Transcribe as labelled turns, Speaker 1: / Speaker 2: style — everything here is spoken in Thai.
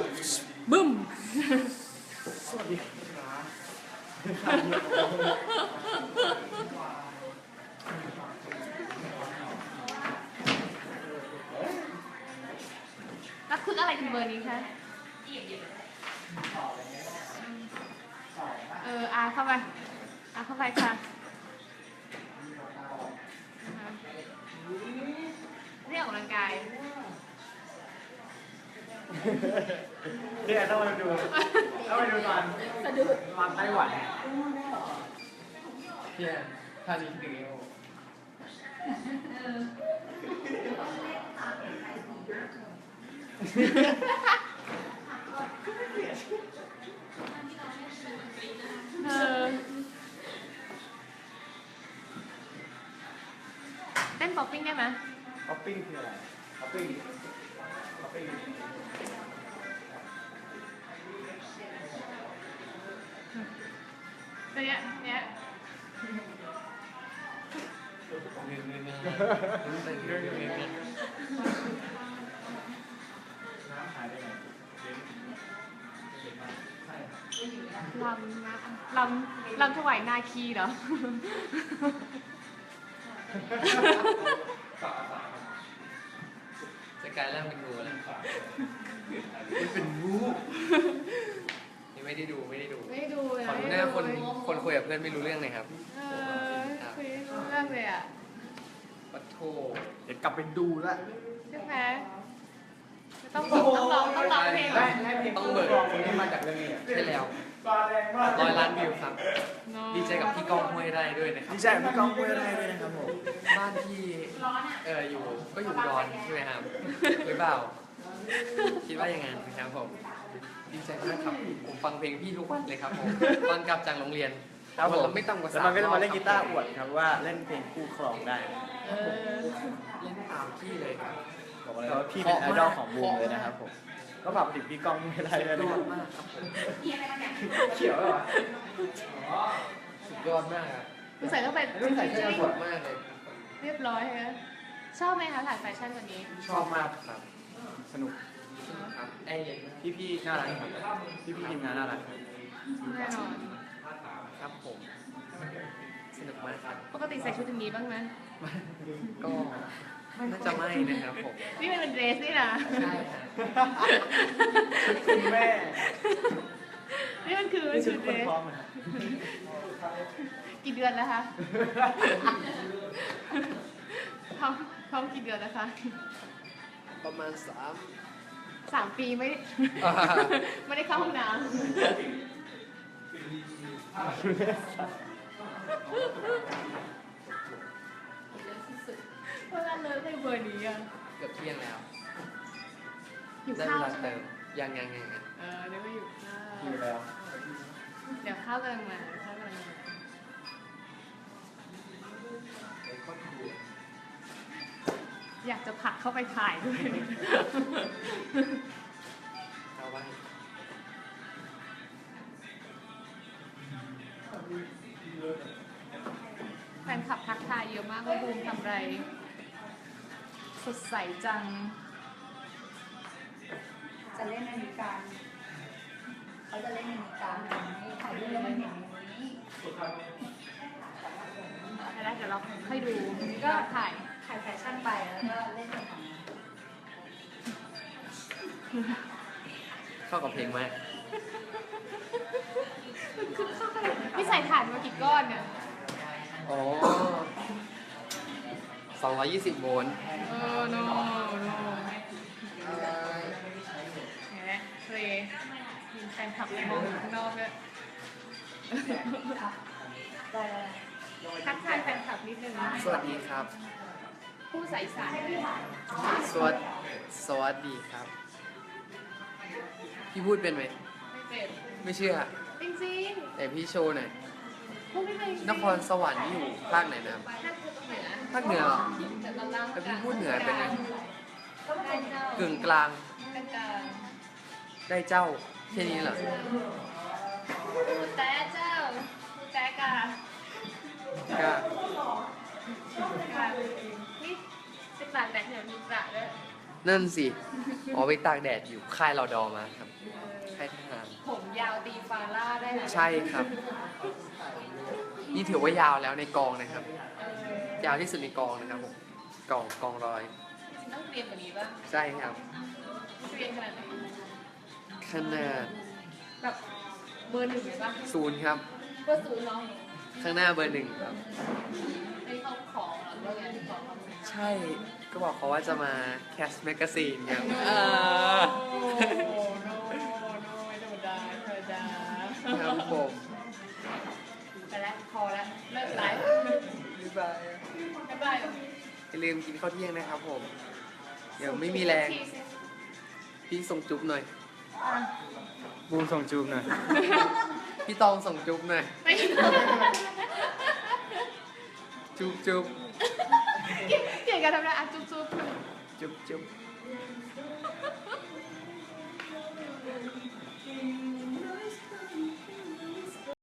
Speaker 1: บึ้ม
Speaker 2: สวัสดี
Speaker 1: แล้วคืออะไรถึงเบอร์นี้คะอาเข้าไปเข้าไปค่ะเรียกออกกำลังกาย
Speaker 2: เนี่ยต้องมาดูตอน
Speaker 1: สะดุด
Speaker 2: มาไต้หวันเนี่ยท่านี้ถึง
Speaker 1: เต้นป๊อปปิ้งได้ไหม
Speaker 2: ป๊อปปิ้งคืออะไรป๊อปปิ้ง
Speaker 1: เนี่ยลำถวายนาคีเหรอ
Speaker 3: จะกลายร่างเป็นงูแล้วเป็นงูนี่ไม่ได้ดู
Speaker 1: เลย
Speaker 3: ขอดูหน้าคนคุยกับเพื่อนไม่รู้เรื่องเลยครับ
Speaker 1: คุยรู้เรื่องเลยอ่ะ
Speaker 3: ปัทโธ
Speaker 2: เดี๋ยวกลับไปดูละ
Speaker 1: ใช่ไหมต้องร้องเพลง
Speaker 3: ต้องเบิก
Speaker 2: นี่มาจากเรื่องนี้
Speaker 3: ใช่แล้ว100 ล้านวิวครับดีใจกับพี่ก้องห้วยไร่ด้วยนะครับ
Speaker 2: ดีใจกับพี่ก้องห้วยไร่ด้วยนะครับผม
Speaker 3: บ้านที่อยู่ก็อยู่ร้อนใช่ไหมครับหรือเปล่าคิดว่ายังไงนะครับผมดีใจมากครับผมฟังเพลงพี่ทุกวันเลยครับผมตอนกลับจากโรงเรียน
Speaker 2: ครับผม
Speaker 3: ไม่ต่ำกว่า
Speaker 2: 3 รอบแล้วมันก็จะมาเล่นกีตาร์อวดครับว่าเล่นเพลงคู่ครองได้
Speaker 3: เล่นตามพี่เลยครับ
Speaker 2: บอกเลยว่าพี่เป็นไอดอลของวงเลยนะครับผมก็ฝากไปถึงพี่ก้องห้วยไร่ด้วยนะครับเขียวเหรอ
Speaker 3: สุดยอดมากครับ
Speaker 1: ใส่เข้าไป
Speaker 3: ใส่เสื้อสวยมากเลย
Speaker 1: เรียบร้อยฮะชอบไหมคะถ่ายแฟชั่นวันนี้
Speaker 2: ชอบมากครับสนุก
Speaker 3: ครับ
Speaker 2: พี่น่ารักครับพี่ทีมงานน่ารักครับ
Speaker 1: แน่นอน
Speaker 3: ครับผมสนุกมากครับ
Speaker 1: ปกติใส่ชุดอย่างนี้บ้างไหม
Speaker 3: ก็น่าจะไม่นะครับผม
Speaker 1: นี่มันเป็นเดรสนี่นะ
Speaker 3: ใช่ค่ะ
Speaker 2: คุณแม่
Speaker 1: นี่มันคือชุดเดรสกี่เดือนแล้วคะท้องกี่เดือนแล้วคะ
Speaker 3: ประมาณ
Speaker 1: 3 ปีไม่ได้เข้าห้องน้ำเพราะงั้นเลยในเบอร์นี้อ่ะ
Speaker 3: เกือบเที่ยงแล้ว
Speaker 1: อยู่
Speaker 3: ได้
Speaker 1: ข้า
Speaker 3: เว
Speaker 1: ว
Speaker 3: ลาเติมยัง
Speaker 1: เดี๋ยวไม่อยู่ข้าว
Speaker 2: อยู่แล้ว
Speaker 1: เดี๋ยวข้าวกำลังมาอยากจะผลักเข้าไปถ่ายด้วย
Speaker 3: เอาไว้
Speaker 1: แฟนคลับทักทายเยอะมากว่าบูมทำไรสดใสจัง
Speaker 4: จะเล่นนาฬิกาเขาจะเล่นนาฬิกาให้ถ่ายรูปแล้วมันเห็นอย่างนี้
Speaker 1: แล้วเดี๋ยวเราค่อยดูก็ถ่าย
Speaker 4: แฟชั่นไปแล้วก็เล่นอย่างนี้
Speaker 3: เข้ากับเพลงมาก
Speaker 1: คือเข้าไปพี่ใส่ถ่านมากี่ก้อนเนี่ย
Speaker 3: อ๋อ220 โวลต์
Speaker 1: โนเนี่ยเคยมีแฟนคลับมองข้างนอกด้วยทักทายแฟนคลับนิดนึง
Speaker 3: สวัสดีครับ
Speaker 1: ผู้ใส่สาร
Speaker 3: สวัสดีครับพี่พูดเป็นไหม
Speaker 1: ไม่เป็น
Speaker 3: ไม่เชื่อ
Speaker 1: จริง
Speaker 3: ๆแต่พี่โชว์หน่อยนครสวรรค์นี่อยู่ภาคไหนนะภาคเหนือเหรอแต่พี่พูดเหนือเป็นไงกึ่งกลางได้เจ้าแค่นี้เหรอ
Speaker 1: แต่เจ้าแต่กานี่10 บาทแต่เดี๋ยวมีกระด้วย
Speaker 3: นั่นสิอ๋อไปตากแดดอยู่ค่ายรอดอมาครับค่ายทหาร
Speaker 1: ผมยาวตีฟาร่าได้นะ
Speaker 3: ใช่ครับ นี่ถือว่ายาวแล้วในกองนะครับ ยาวที่สุดในกองนะครับผมกองร้อย
Speaker 1: ต้องเรียนกว่านี้ป่ะ
Speaker 3: ใช่ครับ
Speaker 1: เรียนขนาดไหน
Speaker 3: ขนาด
Speaker 1: แบบเบอร์หนึ่งเลยป่ะ
Speaker 3: 0ครับ
Speaker 1: เบอร์ศูนย์เนาะ
Speaker 3: ข้างหน้าเบอร์ 1ครับ
Speaker 1: ไอ้เขาของเหรอว่าไงของเขา
Speaker 3: ใช่ก็บอกเขาว่าจะมาแคสแมกกาซีนครับ
Speaker 1: โอ้โหโน้ไม่ธรรมดาธรรมดา
Speaker 3: ครับผม
Speaker 1: ไปแล้วพอแล้วเลิกไลฟ์
Speaker 3: บ๊ายบาย
Speaker 1: บ๊ายบาย
Speaker 3: อย่าลืมกินข้าวเที่ยงนะครับผม เดี๋ยวไม่มีแรง พี่ส่งจุ๊บหน่อย
Speaker 2: บูมส่งจูบหน่อย
Speaker 3: พี่ตองส่งจุ๊บหน่อย
Speaker 1: ไม่
Speaker 3: จุ๊บจุ๊บ
Speaker 1: เก่งกันทำได้อ่ะจุ๊บ
Speaker 2: จุ๊บ